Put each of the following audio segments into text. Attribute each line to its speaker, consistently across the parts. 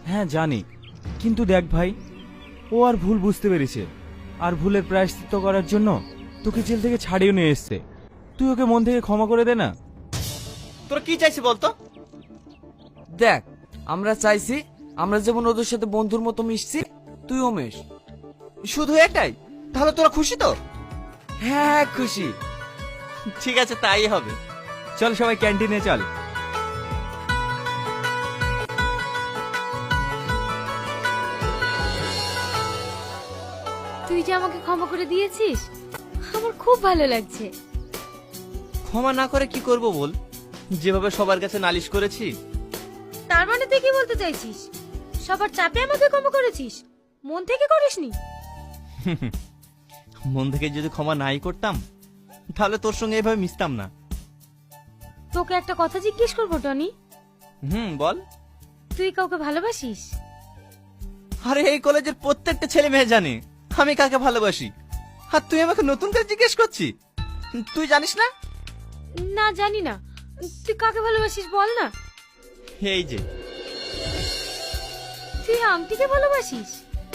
Speaker 1: হ্যাঁ জানি, কিন্তু দেখ ভাই, ও আর ভুল বুঝতে পেরেছে, আর ভুলের প্রায়শ্চিত্ত করার জন্য তোকে জেল থেকে ছাড়িয়ে নিয়ে এসছে। তুই ওকে মন থেকে ক্ষমা করে দে না।
Speaker 2: তোরা কি চাইছি বলতো?
Speaker 3: দেখ, আমরা চাইছি আমরা যেমন ওদের সাথে বন্ধুর মতো মিশছি, তুইও মেশ।
Speaker 2: শুধু এটাই? তাহলে তোরা খুশি তো?
Speaker 3: হ্যাঁ খুশি।
Speaker 2: ঠিক আছে, তাই হবে।
Speaker 1: চল সবাই ক্যান্টিনে চল।
Speaker 4: তুই যে আমাকে ক্ষমা করে দিয়েছিস, আমার খুব ভালো লাগছে।
Speaker 2: ক্ষমা না করে কি করব বল? যেভাবে সবার কাছে নালিশ করেছি।
Speaker 4: তার মানে তুই কি বলতে চাইছিস? সবার চাপে আমাকে ক্ষমা করেছিস, মন থেকে করিসনি?
Speaker 2: মন থেকে যদি ক্ষমা নাই করতাম, তাহলে তোর সঙ্গে এভাবে মিশতাম না।
Speaker 4: তোকে একটা কথা জিজ্ঞেস করবো টনি।
Speaker 2: বল।
Speaker 4: তুই কাউকে ভালোবাসিস?
Speaker 2: আরে এই কলেজের প্রত্যেকটা ছেলে মেয়ে জানে আমি কাকে ভালোবাসি, আর তুই আমাকে নতুন করে জিজ্ঞেস করছিস? তুই জানিস না?
Speaker 4: না জানি না। তুই কাকে ভালোবাসিস বল না।
Speaker 2: এই যে।
Speaker 4: তুই আংটিকে ভালোবাসিস?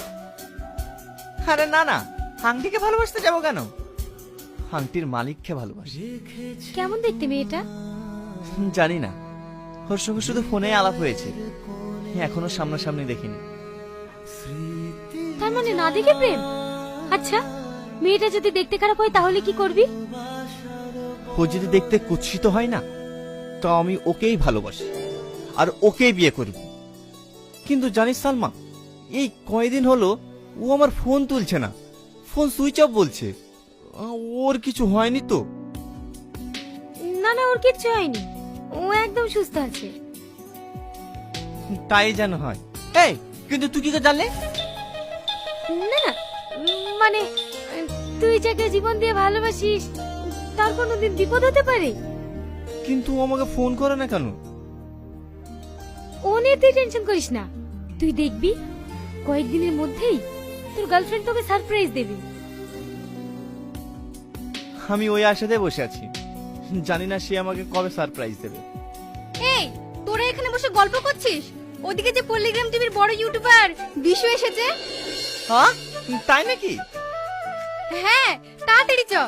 Speaker 2: আরে না না, আংটিকে ভালোবাসতে যাবো কেন? আংটির মালিককে ভালোবাসি।
Speaker 4: কেমন দেখতে মেয়েটা?
Speaker 2: জানি না, ওর সঙ্গে শুধু ফোনে আলাপ হয়েছে, এখনো সামনাসামনি দেখিনি।
Speaker 4: তার মানে না দেখে প্রেম? আচ্ছা, মেয়েটা যদি দেখতে খারাপ হয় তাহলে কি করবি?
Speaker 2: ও যদি দেখতে কুৎসিত হয় না, তো আমি ওকেই ভালোবাসি আর ওকেই বিয়ে করব। কিন্তু জানিস সালমা, এই কয়দিন হলো ও আমার ফোন তুলছে না, ফোন সুইচ অফ বলছে। ওর কিছু হয়নি তো?
Speaker 4: না না, ওর কিচ্ছু হয়নি, ও একদম সুস্থ আছে।
Speaker 2: তাই যেন হয়। এই কিন্তু তুই কি করে জানলে?
Speaker 4: না না, মানে তুই যাকে জীবন দিয়ে ভালোবাসিস তার কোনোদিন বিপদ হতে পারে?
Speaker 2: কিন্তু ও আমাকে ফোন করে না কেন?
Speaker 4: ও নিয়ে তুই টেনশন করিস না, তুই দেখবি কয়েকদিনের মধ্যেই তোর গার্লফ্রেন্ড তোকে সারপ্রাইজ দেবে।
Speaker 2: আমি ওই আশাতে বসে আছি, জানি না সে আমাকে কবে সারপ্রাইজ দেবে।
Speaker 5: এই, তোরা এখানে বসে গল্প করছিস? ওদিকে যে পল্লিগ্রাম টিভির বড় ইউটিউবার বিশু এসেছে।
Speaker 2: হ্যাঁ তাই নাকি?
Speaker 5: হ্যাঁ, তাড়াতাড়ি চ।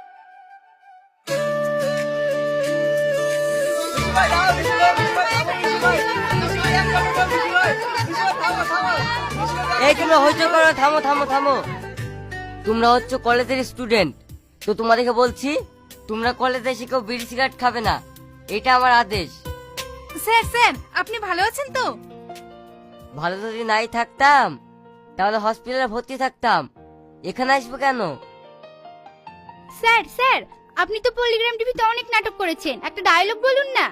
Speaker 6: এই তোমরা হইচই করো, থামো থামো থামো। তোমরা হচ্ছে কলেজের স্টুডেন্ট, তো তোমাদেরকে বলছি তোমরা কলেজে এসে কেউ বিড়ি সিগারেট খাবে না, এটা আমার আদেশ।
Speaker 5: স্যার স্যার, আপনি ভালো আছেন তো?
Speaker 6: ভালো যদি নাই থাকতাম তাহলে হসপিটালে ভর্তি থাকতাম, এখানে আসবো কেন?
Speaker 5: স্যার স্যার, আপনি তো পল্লিগ্রাম টিভিতে অনেক নাটক করেছেন, একটা ডায়লগ বলুন না।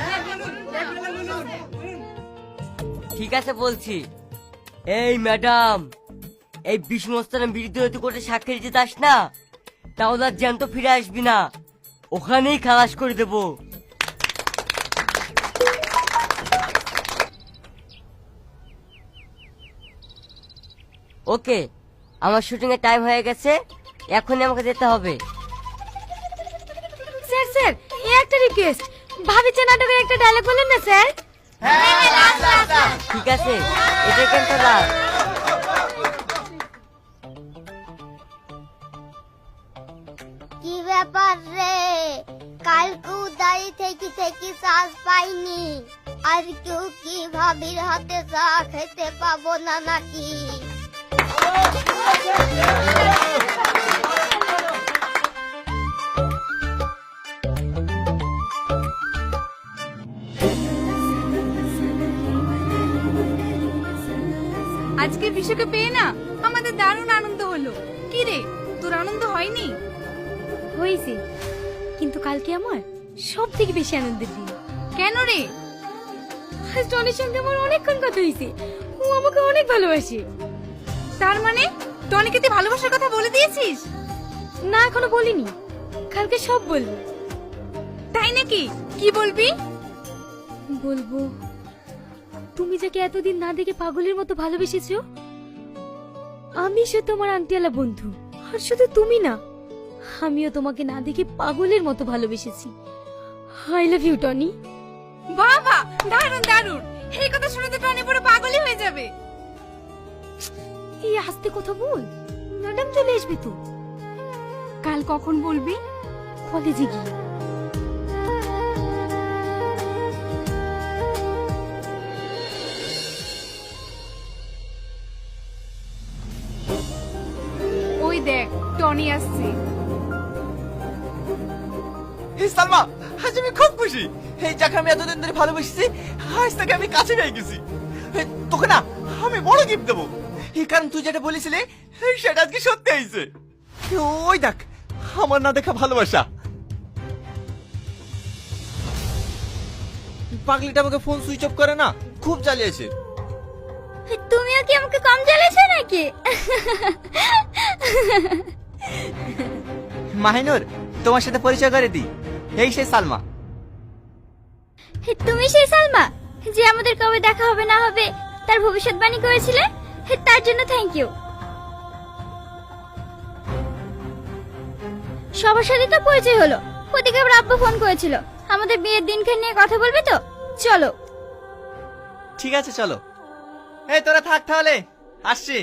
Speaker 6: ঠিক আছে বলছি। এই ম্যাডাম, এই বিষ্ণুস্থানের বিরুদ্ধে কোর্টে সাক্ষী দিতে যাস না, তাহলে আর জ্যান্ত ফিরে আসবি না, ওখানেই খালাস করে দেবো। ওকে, আমার শুটিং এর টাইম হয়ে গেছে, এখনই আমাকে যেতে হবে।
Speaker 4: স্যার স্যার, এই একটা রিকোয়েস্ট, ভাবিছে নাটকের একটা ডায়লগ বলেন না স্যার।
Speaker 6: ঠিক আছে, এটা কেন তোরা?
Speaker 7: কি ব্যাপার রে, কালকে দাঁড়ি থেকে থেকে শ্বাস পাইনি, আর কেউ কি ভাবির হাতে চা খেতে পাবো না নাকি?
Speaker 5: আজকে বিশুকে পেয়ে না আমাদের দারুণ আনন্দ হলো। কি রে, তোর আনন্দ হয়নি?
Speaker 4: হয়েছে, কিন্তু কালকে আমার সব থেকে বেশি আনন্দের দিন।
Speaker 5: কেন রে?
Speaker 4: আজ টনির সঙ্গে আমার অনেকক্ষণ কথা হয়েছে, ও আমাকে অনেক ভালোবাসে।
Speaker 5: তার মানে টনিকে তুই ভালোবাসার কথা বলে দিয়েছিস?
Speaker 4: না, এখনো বলিনি, কালকে সব বলবো।
Speaker 5: তাই নাকি? কি বলবি?
Speaker 4: বলবো তুমি যাকে এতদিন না দেখে পাগলের মতো ভালোবেসেছো, আমি সে তোমার আংটিওয়ালা বন্ধু। আর শুধু তুমি না, আমিও তোমাকে না দেখে পাগলের মতো ভালোবেসেছি। I love you Tony.
Speaker 5: বাবা, দারুণ দারুণ, এই কথা শুনে তো টনি পুরো পাগলই হয়ে যাবে। যাবে।
Speaker 4: এই আস্তে কথা বল, ম্যাডাম চলে আসবে তো।
Speaker 5: কাল কখন বলবি?
Speaker 4: কলেজে গিয়ে।
Speaker 5: ওই দেখ টনি আসছে।
Speaker 2: এই সালমা, আজ আমি খুব খুশি। এই যাকে আমি এতদিন ধরে ভালোবেসেছি, আজ তাকে আমি কাছে পেয়ে গেছি। তোকে না আমি বড় গিফট দেবো, এই কারণ তুই যেটা বলেছিলি সেটা আজকে সত্যি হয়েছে। ওই দেখ আমার না দেখা ভালোবাসা। পাগলিটা আমাকে ফোন সুইচ অফ করে না, খুব জ্বালিয়েছে।
Speaker 7: তুমিও কি আমাকে কম জ্বালিয়েছো নাকি?
Speaker 2: মাহিনুর, তোমার সাথে পরিচয় করে দিই, এই সে সালমা।
Speaker 7: তুমি সেই সালমা যে আমাদের কবে দেখা হবে না হবে তার ভবিষ্যৎবাণী করেছিলে? তার জন্য থ্যাংক ইউ। সবার সাথে তো পরিচয় হলো, ওদিকে আবার আব্বু ফোন করেছিল আমাদের বিয়ের দিনখান নিয়ে কথা বলবে তো। চলো।
Speaker 2: ঠিক আছে চলো। এই তোরা থাক তাহলে, আসছি।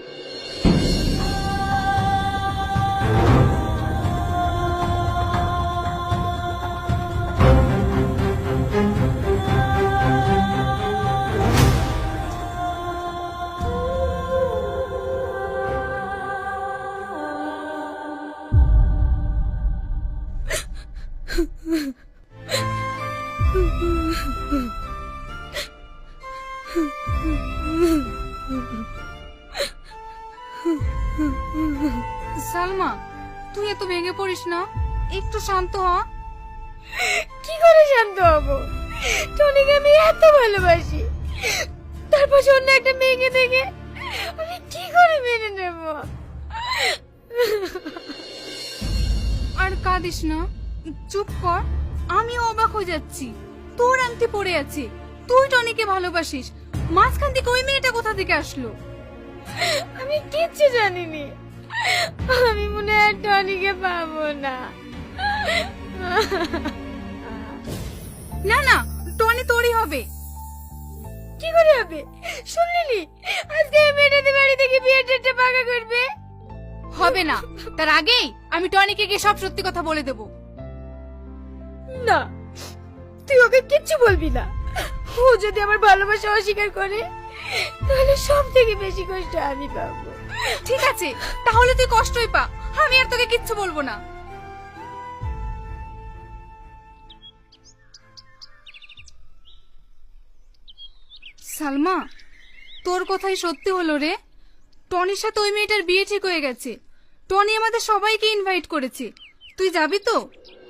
Speaker 5: সালমা, তুই এত ভেঙে পড়িস না, একটু শান্ত হ।
Speaker 4: কি করে শান্ত হব? টনিকে আমি এত ভালোবাসি, তারপর অন্য একটা মেয়েকে দেখে আমি কি করে মেনে নেব?
Speaker 5: আর কাঁদিস না, চুপ কর। আমি অবাক হয়ে যাচ্ছি, তোর আংটি পড়ে আছে, তুই টনিকে ভালোবাসিস, মাঝখান থেকে ওই মেয়েটা কোথা থেকে আসলো?
Speaker 4: আমি কিচ্ছু জানিনি। আমি মনে হয় টনিকে পাবো না।
Speaker 5: না না, টনি তোরই হবে।
Speaker 4: কি করে হবে? শুনলি আজকে এই মেয়েটাতে বাড়ি থেকে বিয়ের ডেটটা পাকা করবে।
Speaker 5: হবে না, তার আগেই আমি টনিকে গিয়ে সব সত্যি কথা বলে দেব।
Speaker 4: না, তুই ওকে কিচ্ছু বলবি না। ও যদি আমার ভালোবাসা অস্বীকার করে তাহলে সব থেকে বেশি কষ্ট আমি পাবো।
Speaker 5: ঠিক আছে, তাহলে তুই কষ্টই পা, আমি আর তোকে কিচ্ছু বলবো না। সালমা, তোর কথাই সত্যি হলো রে। টনির সাথে ওই মেয়েটার বিয়ে ঠিক হয়ে গেছে। টনি আমাদের সবাইকে ইনভাইট করেছে, তুই যাবি তো?